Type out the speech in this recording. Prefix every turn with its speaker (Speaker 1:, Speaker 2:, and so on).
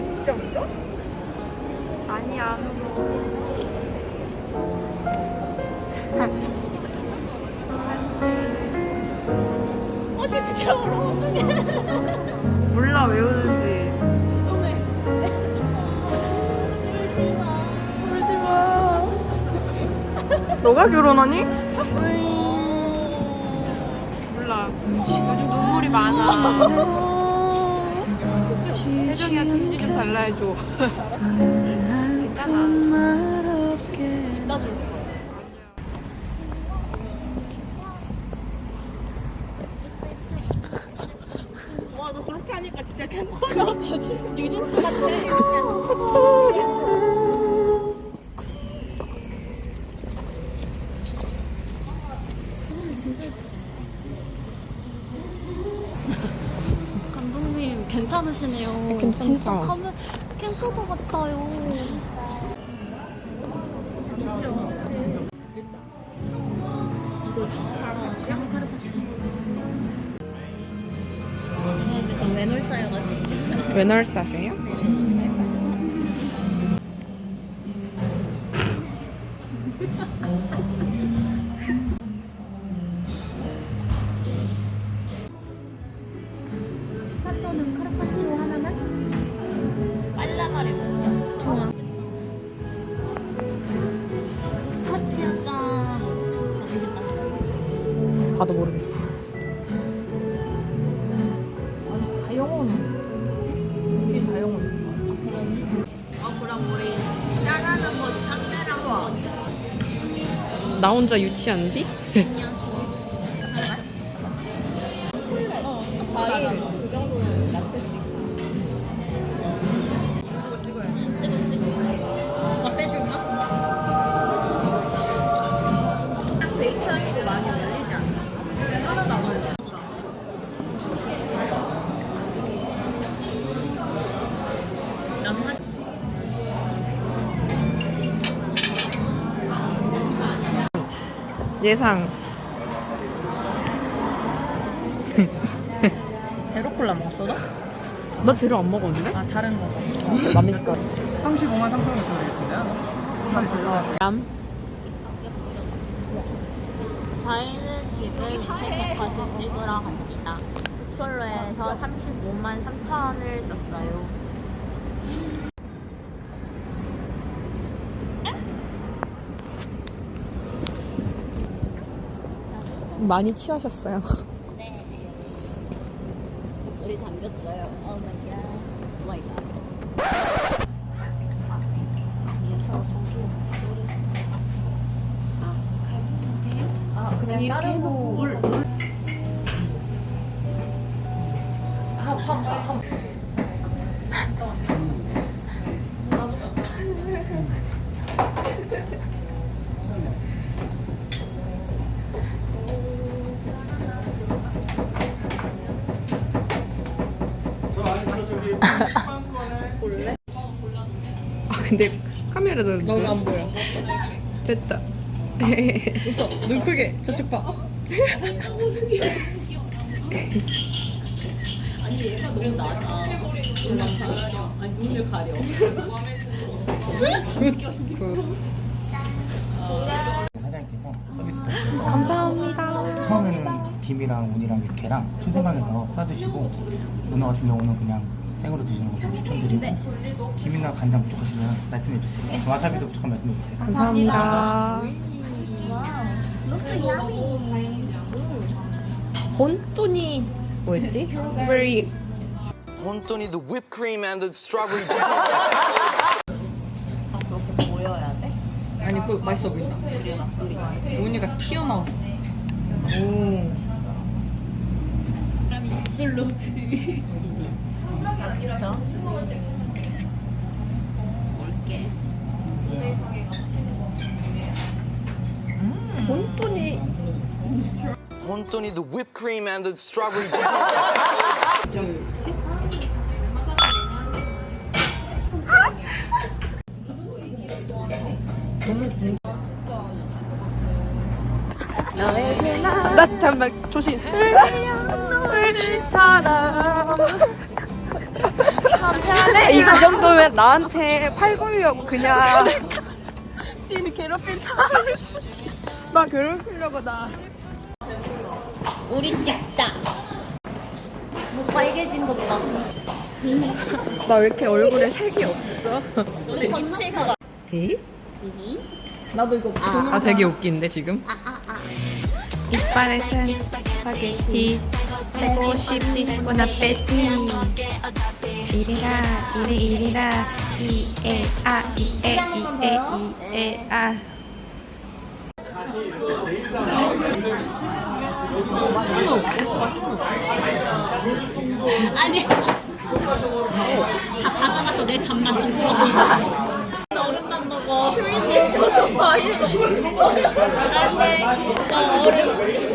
Speaker 1: 진짜 울어?
Speaker 2: 아니 안 울어.
Speaker 1: 진짜 울어. 어떡해.
Speaker 2: 몰라 왜 우는지.
Speaker 1: 진동해. 울지마. 울지마.
Speaker 2: 너가 결혼하니? 몰라. 요즘 눈물이 많아. 혜정이한테 휴지 좀 달라 해줘. 괜찮아.
Speaker 1: 나도. 와, 너 그렇게 하니까 진짜 캠퍼다. 나 진짜 뉴진스 같아.
Speaker 3: 감독님 괜찮으시네요.
Speaker 2: 괜찮다.
Speaker 3: 진짜 캠퍼더 같아요. 근데 저 외놀사여가지고.
Speaker 2: 외널사세요?
Speaker 3: 스타터는 카르파치오 하나만?
Speaker 1: 빨라가래 먹자.
Speaker 3: 좋아. 파치 약간 모르겠다.
Speaker 2: 봐도 모르겠어. 다 영혼. 뒤에 다 영혼.
Speaker 1: 그럼 우리 짠하는 거 짱내랑 거.
Speaker 2: 나 혼자 유치한디?
Speaker 1: 과일 그 정도는 라떼.
Speaker 3: 찍어. 이거 빼줄까?
Speaker 1: 베이크하기도 많이 올리지 않나? 하나도 안 올려.
Speaker 3: 나도 하지.
Speaker 2: 예상.
Speaker 1: 제로콜라 먹었어, 너?
Speaker 2: 나 재료 안 먹었는데?
Speaker 1: 아, 다른 거.
Speaker 2: 남의 숟가락.
Speaker 4: 35만 3천 원 드리겠습니다.
Speaker 2: 람.
Speaker 1: 저희는 지금 인생 컷을 찍으러 갑니다. 솔로에서 35만 3천 원을 썼어요.
Speaker 2: 많이 취하셨어요.
Speaker 3: 네. 목소리 잠겼어요. 오 마이 갓. 오 마이 갓.
Speaker 2: 그냥 이렇게 해놓고. 아 근데 카메라 들는데
Speaker 1: 너가 안 보여.
Speaker 2: 됐다.
Speaker 1: 웃어. 눈 크게. 저쪽 봐.
Speaker 3: 아니 얘가 너무 낮아. 눈만 가려. 아니 눈을 가려.
Speaker 4: 사장님께서 서비스 드렸어요.
Speaker 2: 감사합니다.
Speaker 4: 처음에는 김이랑 운이랑 육회랑 초생강에서 싸드시고 문어 같은 경우는 그냥 생으로 드시는 거 추천드리고 김이나 간장 부족하시면 말씀해 주세요. 와사비도 부족하면 말씀해 주세요.
Speaker 2: 감사합니다. 본토니 뭐였지? Very
Speaker 5: 혼돈이 the whipped cream and the strawberry jam.
Speaker 1: 그렇게 보여야 돼?
Speaker 2: 아니 그거 맛있어 보인다. 운이가 튀어나왔어. 오.
Speaker 3: 입술로. 올게.
Speaker 2: 본토니
Speaker 5: 혼돈이 the whipped cream and the strawberry jam.
Speaker 2: 나 잠깐만 조심. 물질처럼 한편에 이 정도면 나한테 팔 걸려고 그냥.
Speaker 1: 지인을 괴롭힌다.
Speaker 2: 나 괴롭히려고 나.
Speaker 3: 우리 짝다. 뭐 빨개진 것 봐.
Speaker 2: 나 왜 이렇게 얼굴에 색이 없어?
Speaker 3: 우리 김치가.
Speaker 2: 에?
Speaker 1: 나도 이거
Speaker 2: 아 되게 웃긴데 지금? 이빨에 산 스파게티 쓰고 싶지 보나페티 이리라 이리라 이에아 이에아
Speaker 3: 아니. 다 가져가서 내 잠만 동그랗고 있어. 나 얼음만 먹어.
Speaker 1: 저저 과일.
Speaker 3: 안돼. 나 얼음.